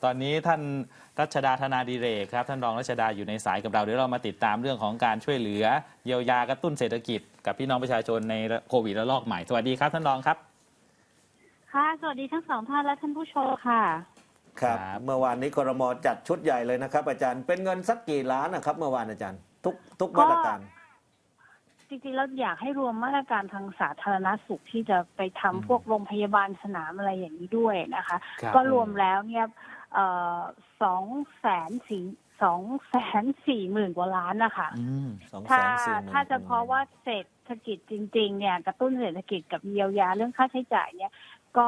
ตอนนี้ท่านรัชดาธนาดิเรกครับท่านรองรัชดาอยู่ในสายกับเราเดี๋ยวเรามาติดตามเรื่องของการช่วยเหลือเยียวยากระตุ้นเศรษฐกิจกับพี่น้องประชาชนในโควิดระลอกใหม่สวัสดีครับท่านรองครับค่ะสวัสดีทั้งสองท่านและท่านผู้ชมค่ะครับเมื่อวานนี้ครม.จัดชุดใหญ่เลยนะครับอาจารย์เป็นเงินสักกี่ล้านนะครับเมื่อวานอาจารย์ทุกมาตรการจริงๆแล้วอยากให้รวมมาตรการทางสาธารณสุขที่จะไปทำพวกโรงพยาบาลสนามอะไรอย่างนี้ด้วยนะคะก็รวมแล้วเนี่ย240,000 กว่าล้านนะคะถ้าจะเพราะว่าเศรษฐกิจจริงๆเนี่ยกระตุ้นเศรษฐกิจกับเยียวยาเรื่องค่าใช้จ่ายเนี่ยก็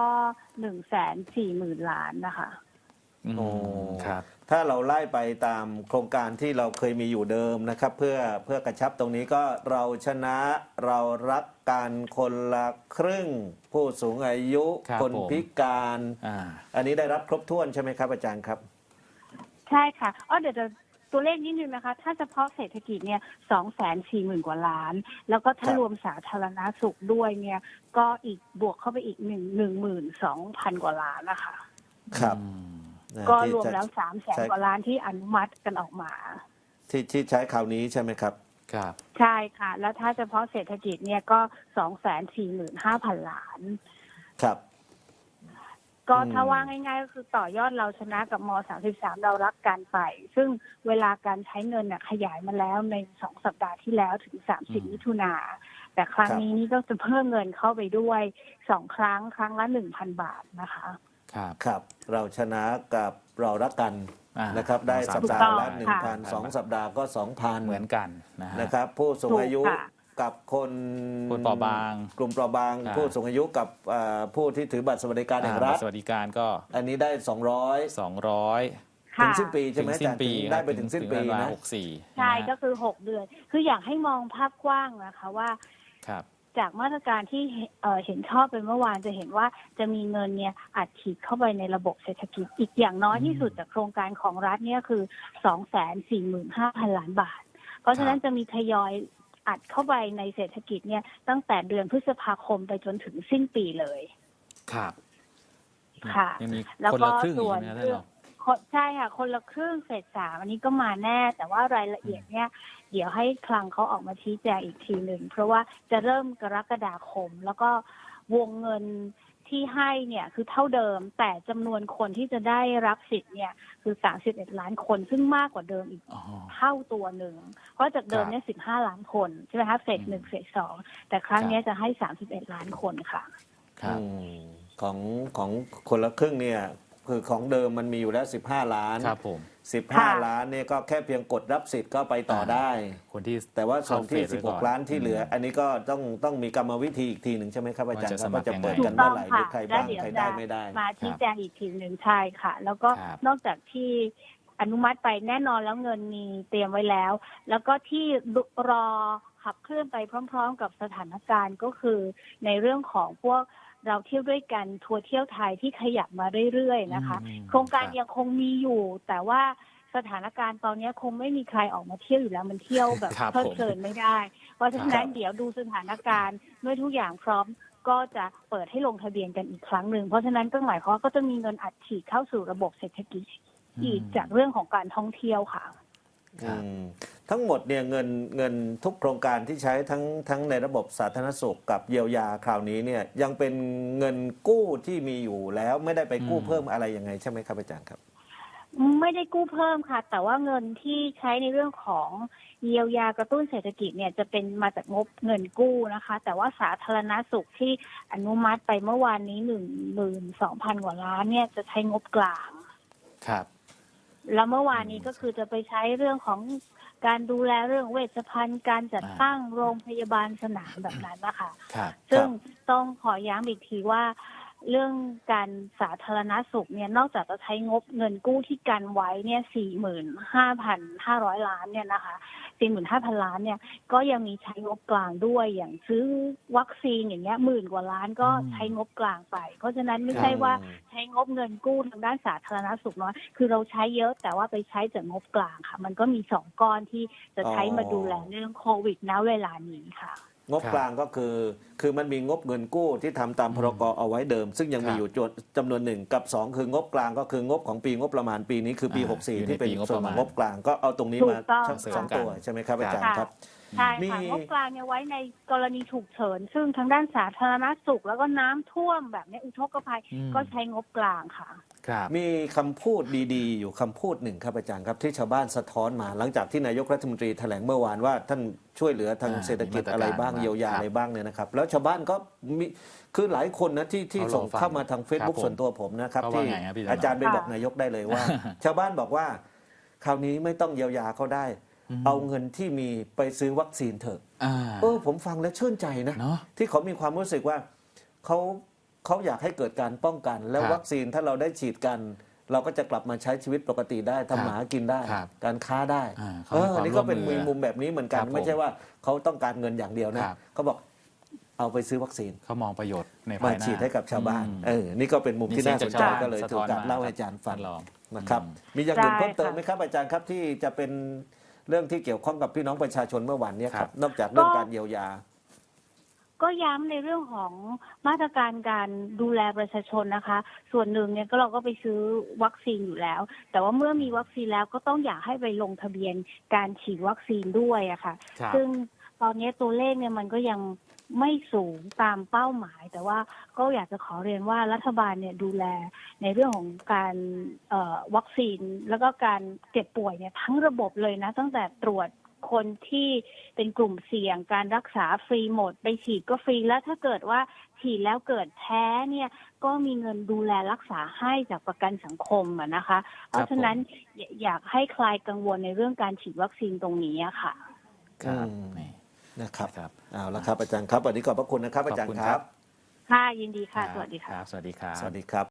140,000 ล้านนะคะโอ้ครับถ้าเราไล่ไปตามโครงการที่เราเคยมีอยู่เดิมนะครับเพื่อกระชับตรงนี้ก็เราชนะเรารักกันคนละครึ่งผู้สูงอายุคนพิการอันนี้ได้รับครบถ้วนใช่ไหมครับอาจารย์ครับใช่ค่ะเดี๋ยวตัวเลขนิดนึงนะคะถ้าเฉพาะเศรษฐกิจเนี่ย240,000 กว่าล้านแล้วก็ถ้ารวมสาธารณสุขด้วยเนี่ยก็อีกบวกเข้าไปอีก12,000 กว่าล้านนะคะครับก็รวมแล้ว300,000 กว่าล้านที่อนุมัติกันออกมาที่ใช้คราวนี้ใช่ไหมครับครับใช่ค่ะแล้วถ้าเฉพาะเศรษฐกิจเนี่ยก็245,000 ล้านครับก็ถ้าว่าง่ายๆก็คือต่อยอดเราชนะกับม.33เรารักกันไปซึ่งเวลาการใช้เงินเนี่ยขยายมาแล้วใน2 สัปดาห์ที่แล้วถึง30 มิถุนาแต่ครั้งนี้นี่ก็จะเพิ่มเงินเข้าไปด้วย2 ครั้งละ 1,000 บาทนะคะครับเราชนะกับเรารักกันนะครับได้สัปดาห์ละ 1,000 2 สัปดาห์ก็ 2,000 เหมือนกันนะครับผู้สูงอายุกับคนเปราะบางกลุ่มเปราะบางผู้สูงอายุกับผู้ที่ถือบัตรสวัสดิการแห่งรัฐสวัสดิการก็อันนี้ได้200ถึงสิ้นปีใช่ไหมอาจารย์ได้ไปถึงสิ้นปีนะ 64ใช่ก็คือ6 เดือนคืออยากให้มองภาพกว้างนะคะว่าจากมาตรการที่เห็นชอบไปเมื่อวานจะเห็นว่าจะมีเงินเนี่ยอัดฉีดเข้าไปในระบบเศรษฐกิจอีกอย่างน้อยที่สุดจากโครงการของรัฐเนี่ยคือ 245,000 ล้านบาทเพราะฉะนั้นจะมีทยอยอัดเข้าไปในเศรษฐกิจเนี่ยตั้งแต่เดือนพฤษภาคมไปจนถึงสิ้นปีเลยครับค่ะแล้วก็ส่วนใช่ค่ะคนละครึ่งเฟส 3อันนี้ก็มาแน่แต่ว่ารายละเอียดเนี่ยเดี๋ยวให้คลังเขาออกมาชี้แจงอีกทีหนึ่งเพราะว่าจะเริ่มกรกฎาคมแล้วก็วงเงินที่ให้เนี่ยคือเท่าเดิมแต่จำนวนคนที่จะได้รับสิทธิ์เนี่ยคือ31 ล้านคนซึ่งมากกว่าเดิมอีกเท่าตัวหนึ่งเพราะจากเดิมเนี่ย15 ล้านคนใช่ไหมคะเฟส 1เฟส 2แต่ครั้งนี้จะให้31 ล้านคนค่ะของคนละครึ่งเนี่ยคือของเดิมมันมีอยู่แล้ว15 ล้านครับผม 15 ล้านเนี่ยก็แค่เพียงกดรับสิทธิ์ก็ไปต่อได้คนที่แต่ว่าส่วนที่16 ล้านที่เหลืออันนี้ก็ต้องมีกรรมวิธีอีกทีหนึ่งใช่ไหมครับอาจารย์ว่าจะเปิดกันเมื่อไหร่หรือใครบ้างใครได้ไม่ได้มาชี้แจงอีกทีหนึ่งใช่ค่ะแล้วก็นอกจากที่อนุมัติไปแน่นอนแล้วเงินมีเตรียมไว้แล้วแล้วก็ที่รอขับเคลื่อนไปพร้อมๆกับสถานการณ์ก็คือในเรื่องของพวกเราเที่ยวด้วยกันทัวร์เที่ยวไทยที่ขยับมาเรื่อยๆนะคะโครงการยังคงมีอยู่แต่ว่าสถานการณ์ตอนนี้คงไม่มีใครออกมาเที่ยวอยู่แล้วมันเที่ยวแบบเพลิดเพลินไม่ได้เพราะฉะนั้นเดี๋ยวดูสถานการณ์เมื่อทุกอย่างพร้อมก็จะเปิดให้ลงทะเบียนกันอีกครั้งหนึ่งเพราะฉะนั้นก็หมายความว่าก็จะมีเงินอัดฉีดเข้าสู่ระบบเศรษฐกิจอีกจากเรื่องของการท่องเที่ยวค่ะทั้งหมดเนี่ยเงินทุกโครงการที่ใช้ทั้งในระบบสาธารณสุขกับเยียวยาคราวนี้เนี่ยยังเป็นเงินกู้ที่มีอยู่แล้วไม่ได้ไปกู้เพิ่มอะไรยังไงใช่ไหมครับอาจารย์ครับไม่ได้กู้เพิ่มค่ะแต่ว่าเงินที่ใช้ในเรื่องของเยียวยากระตุ้นเศรษฐกิจเนี่ยจะเป็นมาจากงบเงินกู้นะคะแต่ว่าสาธารณสุขที่อนุมัติไปเมื่อวานนี้12,000 กว่าล้านเนี่ยจะใช้งบกลางครับแล้วเมื่อวานนี้ก็คือจะไปใช้เรื่องของการดูแลเรื่องเวชภัณฑ์การจัดตั้งโรงพยาบาลสนามแบบนั้นนะคะซึ่งต้องขอย้ำอีกทีว่าเรื่องการสาธารณสุขเนี่ยนอกจากจะใช้งบเงินกู้ที่กันไว้เนี่ย45,500 ล้านเนี่ยนะคะ45,000 ล้านเนี่ยก็ยังมีใช้งบกลางด้วยอย่างซื้อวัคซีนอย่างเงี้ย10,000 กว่าล้านก็ใช้งบกลางไปเพราะฉะนั้นไม่ใช่ว่าใช้งบเงินกู้ทางด้านสาธารณสุขน้อยคือเราใช้เยอะแต่ว่าไปใช้จากงบกลางค่ะมันก็มี2 ก้อนที่จะใช้มาดูแลเรื่องโควิดณเวลานี้ค่ะงบกลางก็คือมันมีงบเงินกู้ที่ทำตามพรกเอาไว้เดิม ซึ่งยังมีอยู่จำนวนหนึ่งกับ2คืองบกลางก็คืองบของปีงบประมาณปีนี้คือปี 64 ที่เป็นส่วนของงบกลางก็เอาตรงนี้มาถูกต้องสองตัวใช่ไหมครับอาจารย์ครับใช่มีค่ะงบกลางเนี่ยไว้ในกรณีฉุกเฉินซึ่งทางด้านสาธารณสุขแล้วก็น้ำท่วมแบบนี้อุทกภัยก็ใช้งบกลางค่ะครับมีคำพูดดีๆ อยู่คำพูดหนึ่งครับอาจารย์ครับที่ชาวบ้านสะท้อนมาหลังจากที่นายกรัฐมนตรีแถลงเมื่อวานว่าท่านช่วยเหลือทางเศรษฐกิจอะไรบ้างเยียวยาอะไรบ้างเนี่ยนะครับแล้วชาวบ้านก็มีคือหลายคนนะที่ส่งเข้ามาทาง Facebook ส่วนตัวผมนะครับที่อาจารย์ไปบอกนายกได้เลยว่า ชาวบ้านบอกว่าคราวนี้ไม่ต้องเยียวยาเขาได้ เอาเงินที่มีไปซื้อวัคซีนเถอะผมฟังแล้วชื่นใจนะที่เขามีความรู้สึกว่าเขาอยากให้เกิดการป้องกัน แล้ววัคซีนถ้าเราได้ฉีดกัน เราก็จะกลับมาใช้ชีวิตปกติได้ทำหมากินได้ การค้าได้นี่ก็เป็นมุมแบบนี้เหมือนกันไม่ใช่ว่าเขาต้องการเงินอย่างเดียวนะเขาบอกเอาไปซื้อวัคซีนเขามองประโยชน์ในมาฉีดให้กับชาวบ้านนี่ก็เป็นมุมที่น่าสนใจก็เลยถูกการเล่าให้อาจารย์ฟังนะครับมีอย่างอื่นเพิ่มเติมไหมครับอาจารย์ครับที่จะเป็นเรื่องที่เกี่ยวข้องกับพี่น้องประชาชนเมื่อวานนี้ครับนอกจากเรื่องการเยียวยาก็ย้ำในเรื่องของมาตรการการดูแลประชาชนนะคะ ส่วนหนึ่งเนี่ยก็เราก็ไปซื้อวัคซีนอยู่แล้ว แต่ว่าเมื่อมีวัคซีนแล้วก็ต้องอยากให้ไปลงทะเบียนการฉีดวัคซีนด้วยอะค่ะซึ่งตอนนี้ตัวเลขเนี่ยมันก็ยังไม่สูงตามเป้าหมาย แต่ว่าก็อยากจะขอเรียนว่ารัฐบาลเนี่ยดูแลในเรื่องของการวัคซีนแล้วก็การเจ็บป่วยเนี่ยทั้งระบบเลยนะตั้งแต่ตรวจคนที่เป็นกลุ่มเสี่ยงการรักษาฟรีหมดไปฉีดก็ฟรีแล้วถ้าเกิดว่าฉีดแล้วเกิดแพ้เนี่ยก็มีเงินดูแลรักษาให้จากประกันสังคมนะคะเพราะฉะนั้นอยากให้คลายกังวลในเรื่องการฉีดวัคซีนตรงนี้ค่ะนะครับเอาละครับอาจารย์ครับวันนี้ขอบพระคุณนะครับอาจารย์ครับค่ะยินดีค่ะสวัสดีค่ะสวัสดีครับสวัสดีครับ